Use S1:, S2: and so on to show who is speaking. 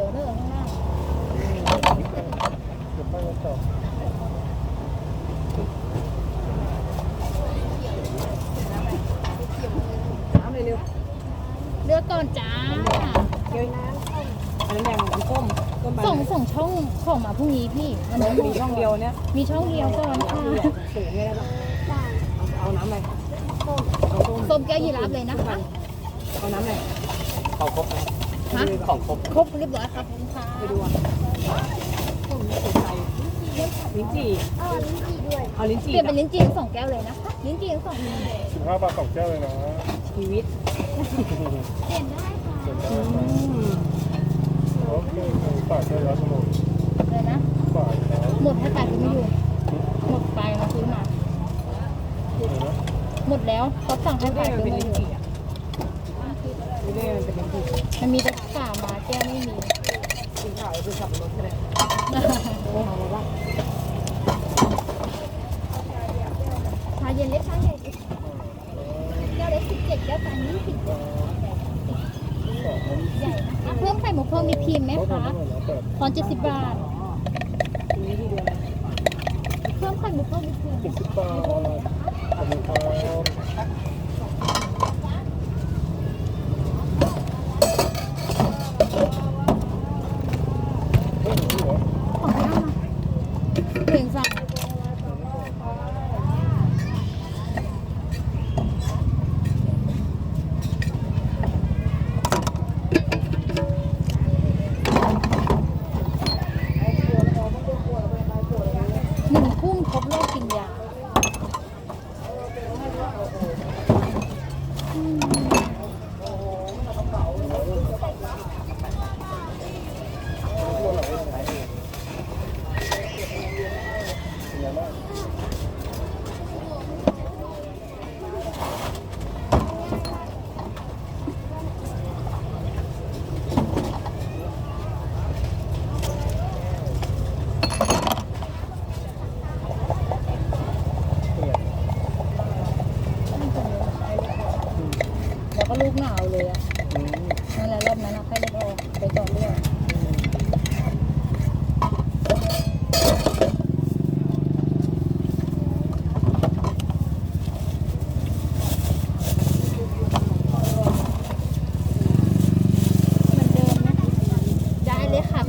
S1: ยวเด้อข้างล่าง
S2: เดี๋ยวไปกันต่อ
S3: น้ำเร็ว
S1: เลือกก่อนจ้า
S3: ๆเกี๊ยวน้ำอันนั้นยังน้ำต้มไป
S1: ส่งช่องของมาพรุ่งนี้พี่วันนี้
S3: มีช่องเดียวเนี่ย
S1: มีช่องเดียวก่อนค่ะ
S3: สูงเลยนะเอาน้ำอะไรต้ม
S1: ส้มแก้วยีราฟเลยนะคะ
S3: เอาน้ำอะไร
S2: ของครบนะ
S1: ฮะ
S2: ของครบ
S1: ครบเรียบร้อยครับคุณค่ะ
S3: ไปดูอ่ะต้มไม่สนใจลิ้นจี่เอาลิ้น
S1: เป
S3: จี่
S1: ลี่ยนเป็นลิ้นจี่2 แก้วเลยนะคะลิ้นจี่2
S2: 15 บาท2แก้วเลยนะ
S3: ชีวิต
S1: เปลี่ยนได้ค่ะ
S2: เดี๋ยวจะโอเคฝ่ายใช้แล้วทั้งหมด
S1: เลยนะ
S2: ฝ่ายแล้ว
S1: หมดให้ไปคือไม่อยู่หมดไปมาซื้อมา
S2: เดี๋ยวนะ
S1: หมดแล้วเขาสั่งให้ไป
S3: ไม่
S1: คือ
S3: เป็น
S1: ไม่
S3: ลิ้
S1: อน ยู่
S3: จี่อ่ะไม่ได้มันเป็นลิ้นจี่
S1: มันมีแต่ฝามาแก้วไม่มี
S3: กินข้าวเป็นสับปะรดก็ได้เอามาบ้าง
S1: ชาเย็นเล็กชาใหญ่ดิแก้วเล็ก17แก้วกลาง20ใหญ่นะคะเพิ่มไข่หมูเพิ่มมีครีมไหมคะตอน70 บาท
S3: ทีนี้ที่เดียว
S1: เพิ่มไข่หมูเพิ่มมีครีม
S2: 70 บาทขอบคุณครับเฮ้ยหัว
S1: ของหน้ามาเพลงสั่ง1 ทุ่มครบโลกกินยาแล้วก็ลูกหนาวเลยอ่ะ นั่นแหละรอบนั้นนะไข้เลือดออกไปต่อเลือดเหมือนเดิมนะได้เลยค่ะ